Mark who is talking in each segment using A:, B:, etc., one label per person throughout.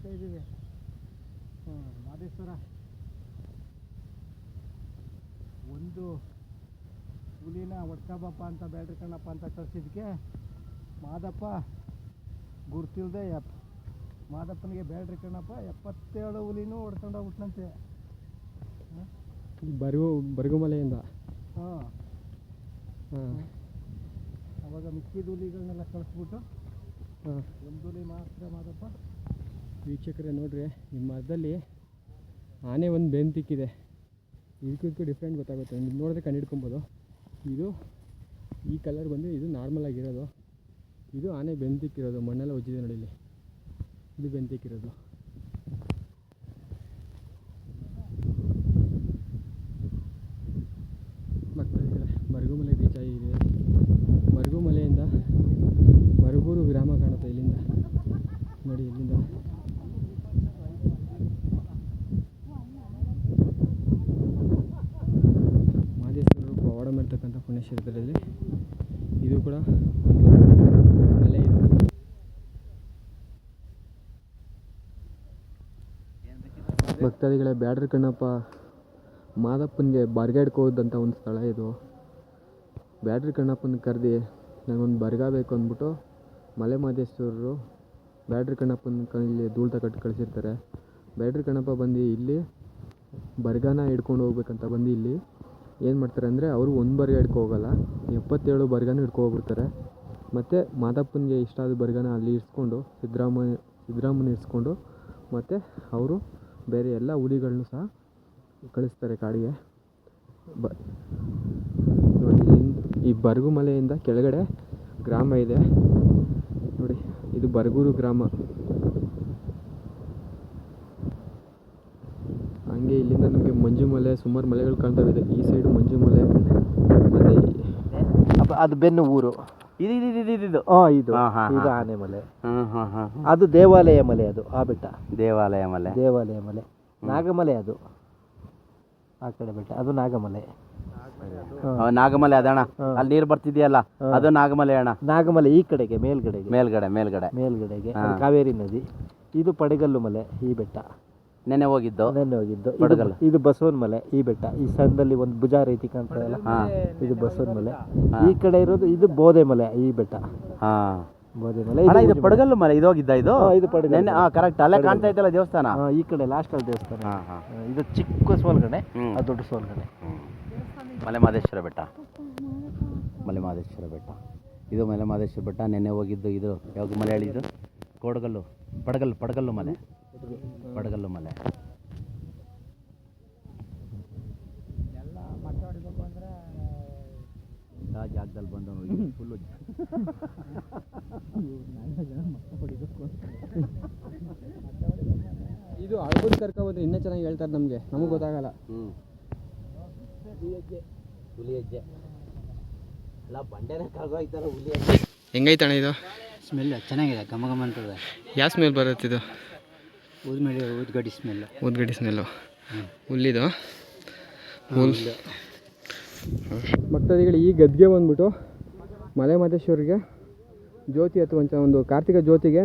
A: ಹೋಗ್ತಾ ಇದ್ದೀವಿ. ಮಾದೇಶ್ವರ ಒಂದು ಹುಲಿನ ಹೊಡ್ಕೊಬಪ್ಪ ಅಂತ ಬ್ಯಾಡ್ರಿ ಕಣ್ಣಪ್ಪ ಅಂತ ಕಳಿಸಿದ್ಕೆ ಮಾದಪ್ಪ ಗುರ್ತಿಲ್ದೆ ಮಾದಪ್ಪನಿಗೆ ಬ್ಯಾಡ್ರಿ ಕಣ್ಣಪ್ಪ 77 ಹುಲಿನೂ ಹೊಡ್ಕೊಂಡೋಗ್ಬಿಟ್ನಂತೆ
B: ಬರಗುಮಲೆಯಿಂದ.
A: ಹಾಂ, ಅವಾಗ ಮಿಕ್ಕಿದ ಹುಲಿಗಳನ್ನೆಲ್ಲ ಕಳಿಸ್ಬಿಟ್ಟು ಒಂದು ಹುಲಿ ಮಾತ್ರ ಮಾದಪ್ಪ.
B: ವೀಕ್ಷಕರೇ ನೋಡ್ರಿ, ನಿಮ್ಮ ಮರದಲ್ಲಿ ಆನೆ ಒಂದು ಬೆಂತಿಕ್ಕಿದೆ. ಇದಕ್ಕೂ ಡಿಫ್ರೆಂಟ್ ಗೊತ್ತಾಗುತ್ತೆ, ನೀವು ನೋಡಿದ್ರೆ ಕಂಡು. ಇದು ಈ ಕಲರ್ ಬಂದು ಇದು ನಾರ್ಮಲ್ ಆಗಿರೋದು, ಇದು ಆನೆ ಬೆಂತಿಕ್ಕಿರೋದು. ಮಣ್ಣೆಲ್ಲ ಉಜ್ಜಿದೆ ನೋಡಿ, ಇಲ್ಲಿ ಇದು ಬೆಂತಿಕ್ಕಿರೋದು. ಮಕ್ಕಳಿಗೆ ಮರಗುಮಲೆ ರೀಚ್ ಆಗಿದೆ. ಮರಗುಮಲೆಯಿಂದ ಮರಗೂರು ಗ್ರಾಮ ಕಾಣುತ್ತೆ ಇಲ್ಲಿಂದ ನೋಡಿ. ಇಲ್ಲಿಂದ ಮಾದೇಶ್ವರರು ಪವಾಡ ಮಾಡ್ತಕ್ಕಂಥ ಪುಣ್ಯಕ್ಷೇತ್ರದಲ್ಲಿ ಇದು ಕೂಡ ಒಂದು ಮಲೆ ಇದು. ಭಕ್ತಾದಿಗಳೇ, ಬ್ಯಾಡ್ರಿ ಕಣ್ಣಪ್ಪ ಮಾದಪ್ಪನಿಗೆ ಬರ್ಗಾಡ್ಕೋದಂಥ ಒಂದು ಸ್ಥಳ ಇದು. ಬ್ಯಾಡ್ರಿ ಕಣ್ಣಪ್ಪನ ಕರೆದು ನನಗೊಂದು ಬರ್ಗ ಬೇಕು ಅಂದ್ಬಿಟ್ಟು ಮಲೆ ಮಾದೇಶ್ವರರು ಬ್ಯಾಡ್ರಿ ಕಣ್ಣಪ್ಪನ ಕೈಯಲ್ಲಿ ಧೂಳು ತಗಟ್ಟು ಕಳಿಸಿರ್ತಾರೆ. ಬ್ಯಾಡ್ರಿ ಕಣ್ಣಪ್ಪ ಬಂದು ಇಲ್ಲಿ ಬರ್ಗಾನ ಹಿಡ್ಕೊಂಡು ಹೋಗ್ಬೇಕಂತ ಬಂದು ಇಲ್ಲಿ ಏನು ಮಾಡ್ತಾರೆ ಅಂದರೆ, ಅವರು ಒಂದು ಬರ್ಗ ಹಿಡ್ಕೊ ಹೋಗಲ್ಲ, 77 ಬರ್ಗಾನ ಹಿಡ್ಕೊ ಹೋಗ್ಬಿಡ್ತಾರೆ. ಮತ್ತು ಮಾದಪ್ಪನಿಗೆ ಇಷ್ಟ ಆದ ಬರ್ಗಾನ ಅಲ್ಲಿ ಇರಿಸ್ಕೊಂಡು ಸಿದ್ದರಾಮನ ಇರಿಸ್ಕೊಂಡು ಮತ್ತು ಅವರು ಬೇರೆ ಎಲ್ಲ ಹುಲಿಗಳನ್ನೂ ಸಹ ಕಳಿಸ್ತಾರೆ ಕಾಡಿಗೆ. ಈ ಬರಗುಮಲೆಯಿಂದ ಕೆಳಗಡೆ ಗ್ರಾಮ ಇದೆ ನೋಡಿ, ಇದು ಬರಗೂರು ಗ್ರಾಮ. ಹಂಗೆ ಇಲ್ಲಿಂದ ನಮಗೆ ಮಂಜು ಮಲೆ, ಸುಮಾರು ಮಲೆಗಳು ಕಾಣ್ತಾವಿದೆ. ಈ ಸೈಡು ಮಂಜು ಮಲೆ, ಮತ್ತು
A: ಅದು ಬೆನ್ನು ಊರು.
C: ಇದು
A: ಇದು ಆನೆ ಮಲೆ. ಅದು ದೇವಾಲಯ ಮಲೆ, ಅದು ಆ ಬೆಟ್ಟ
C: ದೇವಾಲಯ ಮಲೆ.
A: ನಾಗಮಲೆ ಅದು ಆ ಕಡೆ ಬೆಟ್ಟ, ಅದು ನಾಗಮಲೆ.
C: ನಾಗಮಲೆ ಅದಣ್ಣ, ಅಲ್ಲಿ ನೀರು ಬರ್ತಿದೆಯಲ್ಲ ಅದು ನಾಗಮಲೆ ಅಣ್ಣ.
A: ನಾಗಮಲೆ ಈ ಕಡೆಗೆ ಮೇಲ್ಗಡೆಗೆ ಕಾವೇರಿ ನದಿ. ಇದು ಪಡಗಲ್ಲು ಮಲೆ, ಈ ಬೆಟ್ಟ
C: ನೆನ್ನೆ ಹೋಗಿದ್ದು. ಪಡಗಲ್ಲು.
A: ಇದು ಬಸವನ ಮಲೆ, ಈ ಬೆಟ್ಟ. ಈ ಸಣ್ಣದಲ್ಲಿ ಒಂದು ಭುಜ ರೀತಿ ಕಾಣ್ತದಲ್ಲ, ಇದು ಬಸವನ ಮಲೆ. ಈ ಕಡೆ ಇರೋದು ಇದು ಬೋದೆ ಮಲೆ, ಈ ಬೆಟ್ಟ ಬೋದೆ ಮಲೆ.
C: ಇದು ಪಡಗಲ್ಲು ಮಲೆ. ಇದು ಹೋಗಿದ್ದ ಇದು
A: ಪಡಗಲ್ಲು.
C: ಕರೆಕ್ಟ್, ಅಲ್ಲೇ ಕಾಣ್ತಾ ಇತ್ತಲ್ಲ ದೇವಸ್ಥಾನ.
A: ಈ ಕಡೆ ಲಾಸ್ಟ್ ಅಲ್ಲಿ ದೇವಸ್ಥಾನ. ಇದು ಚಿಕ್ಕ ಸೋಲ್ಗಣೆ, ಅದು ದೊಡ್ಡ ಸೋಲ್ಗಣೆ.
C: ಮಲೆಮಹದೇಶ್ವರ ಬೆಟ್ಟ. ಇದು ಮಲೆಮಹದೇಶ್ವರ ಬೆಟ್ಟ. ನೆನ್ನೆ ಹೋಗಿದ್ದು. ಇದು ಯಾವಾಗ ಮಲೆ ಹೇಳಿದ್ದು? ಪಡಗಲ್ಲು ಮಲೆ.
A: ಎಲ್ಲ ಮಟ್ಟ ಹೊಡಿಬೇಕು ಅಂದರೆ
C: ಆ ಜಾಗದಲ್ಲಿ ಬಂದು ಫುಲ್ಲು
B: ಇದು ಅಳ್ಬೋದು ಕರ್ಕೊಬೋದು. ಇನ್ನೂ ಚೆನ್ನಾಗಿ ಹೇಳ್ತಾರೆ, ನಮಗೆ ಗೊತ್ತಾಗಲ್ಲ.
C: ಹುಲಿ ಹೆಜ್ಜೆ ಎಲ್ಲ ಬಂಡೆನೇ ಕರ್ಗೋಯ್ತಾರ. ಹುಲಿ ಹೆಜ್ಜೆ
B: ಹೆಂಗೈತಣ್ಣ ಇದು?
A: ಸ್ಮೆಲ್ ಚೆನ್ನಾಗಿದೆ, ಘಮ ಅಂತದೆ.
B: ಯಾವ ಸ್ಮೆಲ್ ಬರುತ್ತೆ ಇದು?
A: ಊದ್ಗಡ್ಡಿ
B: ಸ್ಮೆಲ್ಲು. ಹುಲ್ಲಿದು ಭಕ್ತಾದಿಗಳು, ಈ ಗದ್ಗೆ ಬಂದ್ಬಿಟ್ಟು ಮಲೆ ಮಾದೇಶ್ವರಿಗೆ ಜ್ಯೋತಿ ಹಚ್ಚುವಂಥ ಕಾರ್ತಿಕ ಜ್ಯೋತಿಗೆ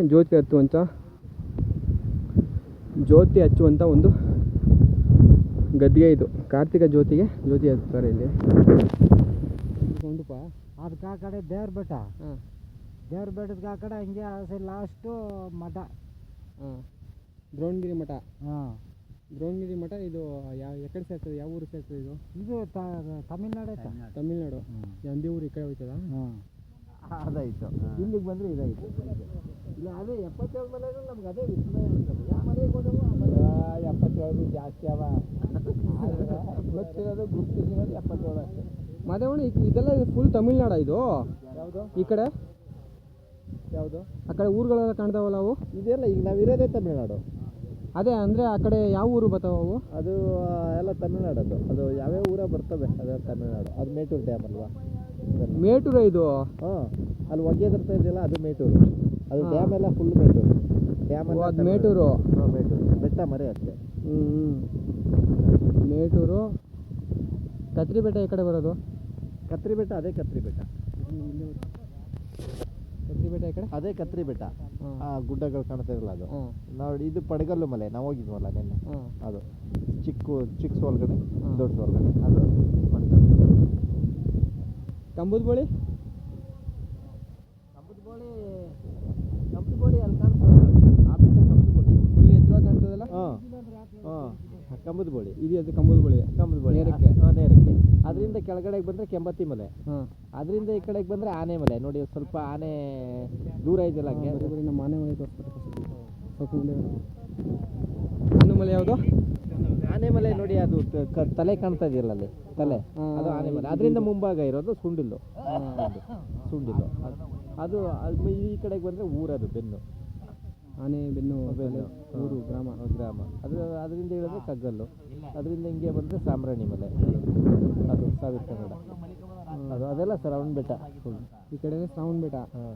B: ಜ್ಯೋತಿ ಹಚ್ಚುವಂಥ ಒಂದು ಗದ್ಗೆ ಇದು. ಕಾರ್ತಿಕ ಜ್ಯೋತಿ ಹಚ್ತಾರೆ ಇಲ್ಲಿ.
A: ಅದಕ್ಕೆ ಆ ಕಡೆ ದೇವ್ರ ಬೆಟ್ಟ, ದೇವ್ರ ಬೆಟ್ಟದ ಆ ಕಡೆ ಹಂಗೆ ಲಾಸ್ಟು ಮಠ,
B: ದ್ರೋಣಗಿರಿ ಮಠ. ದ್ರೋಣಗಿರಿ ಮಠ ಇದು ಎಕಡೆ ಸೇರ್ತದೆ? ಯಾವ ಊರು ಸೇರ್ತದೆ ಇದು?
A: ಇದು ತಮಿಳ್ನಾಡು.
B: ಎಂಬಿ ಊರು ಈ ಕಡೆ ಹೋಯ್ತದ?
A: ಅದಾಯಿತು. ಇಲ್ಲಿಗೆ ಬಂದರೆ ಇದಾಯಿತು. ಇಲ್ಲ ಅದೇ 77 ಮಲೆಗಳು ನಮ್ಗೆ ಅದೇ ವಿಸ್ಮಯ. ಯಾವ ಮನೆಗೆ ಹೋದವು? 77 ಜಾಸ್ತಿ ಅವ. ಗೊತ್ತಿರೋದು ಗುರ್ತಿರೋದು 77 ಅಷ್ಟೇ.
B: ಮಾದೇವಣ್ಣ, ಇದೆಲ್ಲ ಫುಲ್ ತಮಿಳ್ನಾಡ ಇದು?
A: ಯಾವುದು
B: ಈ ಕಡೆ?
A: ಯಾವುದು
B: ಆ ಕಡೆ ಊರುಗಳೆಲ್ಲ ಕಾಣ್ತಾವಲ್ಲ ಅವು?
A: ಇದೆಲ್ಲ ಈಗ ನಾವಿರೋದೇ ತಮಿಳ್ನಾಡು.
B: ಅದೇ ಅಂದರೆ ಆ ಕಡೆ ಯಾವ ಊರು ಬರ್ತಾವ ಅವು?
A: ಅದು ಎಲ್ಲ ತಮಿಳ್ನಾಡದು. ಅದು ಯಾವ್ಯಾವ ಊರ ಬರ್ತವೆ ಅದೇ ತಮಿಳ್ನಾಡು. ಅದು ಮೇಟೂರು ಡ್ಯಾಮ್ ಅಲ್ವಾ?
B: ಮೇಟೂರು ಇದು?
A: ಅಲ್ಲಿ ಒಗೆದಿರ್ತಾ ಇದೆಯಲ್ಲ, ಅದು ಮೇಟೂರು. ಅದು ಡ್ಯಾಮ್ ಎಲ್ಲ ಫುಲ್ ಮೇಟೂರು. ಡ್ಯಾಮ್ ಎಲ್ಲ
B: ಮೇಟೂರು.
A: ಮೇಟೂರು ಬೆಟ್ಟ ಮರೆ ಅಷ್ಟೇ.
B: ಮೇಟೂರು. ಕತ್ರಿ ಬೆಟ್ಟ ಈ ಕಡೆ ಬರೋದು?
A: ಕತ್ರಿ ಬೆಟ್ಟ ಅದೇ ಕತ್ರಿ ಬೆಟ್ಟ.
B: ಕತ್ರಿ ಬೆಟ್ಟ ಈ ಕಡೆ
A: ಅದೇ ಕತ್ರಿ ಬೆಟ್ಟ. ಆ ಗುಡ್ಡಗಳು ಕಾಣ್ತಾ ಇರಲ್ಲ ಅದು ನೋಡಿ. ಇದು ಪಡಗಲ್ಲು ಮಲೆ ನಾವು ಹೋಗಿದ್ವಲ್ಲ ನಿನ್ನೆ, ಅದು ಚಿಕ್ಕ ಸೋಲ್ಗಡೆ ದೊಡ್ಡ ಸೋಲ್ಗಡೆ ಅದು ಪಡಗಲ್ಲು.
B: ಕಂಬದ ಬೋಳಿ
A: ಅಲ್ಲಿ ಕಾಣ್ತದೆ ಆ ಬೆಟ್ಟ ಕಂಬದ ಬೋಳಿ
B: ಫುಲ್ ಎತ್ತರವಾಗಿ ಕಾಣ್ತದಲ್ಲ.
A: ಕಂಬದ ಬೋಳಿ
B: ಇದು ಅದು ಕಂಬದ ಬೋಳಿ
A: ನೇರಕ್ಕೆ ನೇರಕ್ಕೆ. ಅದರಿಂದ ಕೆಳಗಡೆಗೆ ಬಂದರೆ ಕೆಂಬತ್ತಿ ಮಲೆ, ಅದರಿಂದ ಈ ಕಡೆಗೆ ಬಂದರೆ ಆನೆ ಮಲೆ. ನೋಡಿ ಸ್ವಲ್ಪ ಆನೆ ದೂರ ಇದೆಯಲ್ಲ ಹಂಗೆ.
B: ನಮ್ಮ ಆನೆ ಮಲೆ ಇನ್ನು ಮಲೆ ಯಾವುದು?
A: ಆನೆ ಮಲೆ ನೋಡಿ, ಅದು ತಲೆ ಕಾಣ್ತಾ ಇದೆಯಲ್ಲ ಅಲ್ಲಿ, ತಲೆ ಅದು ಆನೆ ಮಲೆ. ಅದರಿಂದ ಮುಂಭಾಗ ಇರೋದು ಸುಂಡಿಲ್ಲು. ಅದು ಈ ಕಡೆಗೆ ಬಂದರೆ ಊರದು ಬೆನ್ನು,
B: ಆನೆ ಬೆನ್ನು ಊರು ಗ್ರಾಮ
A: ಅದರಿಂದ ಹೇಳಿದ್ರೆ ಕಗ್ಗಲ್ಲು. ಅದರಿಂದ ಹಿಂಗೆ ಬಂದರೆ ಸಾಮ್ರಾಣಿ ಮಲೆ, ಅದು ಸಾವಿರ ಕನ್ನಡ. ಅದೆಲ್ಲ ಶ್ರವಣ ಬೆಟ್ಟ ಫುಲ್.
B: ಈ ಕಡೆ ಶ್ರವಣ ಬೆಟ್ಟ.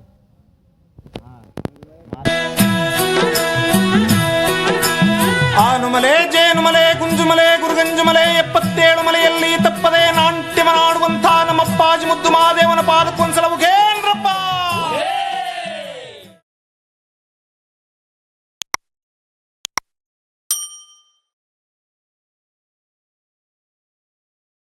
D: ಆನುಮಲೆ, ಜೇನುಮಲೆ, ಗುಂಜುಮಲೆ, ಗುರುಗಂಜುಮಲೆ 77 ಮಲೆಯಲ್ಲಿ ತಪ್ಪದೆ ನಾಟ್ಯವನಾಡುವಂಥ ನಮ್ಮಪ್ಪಾಜಿ ಮುದ್ದು ಮಹಾದೇವನ ಪಾದಕ್ಕೊಂದ್ಸಲ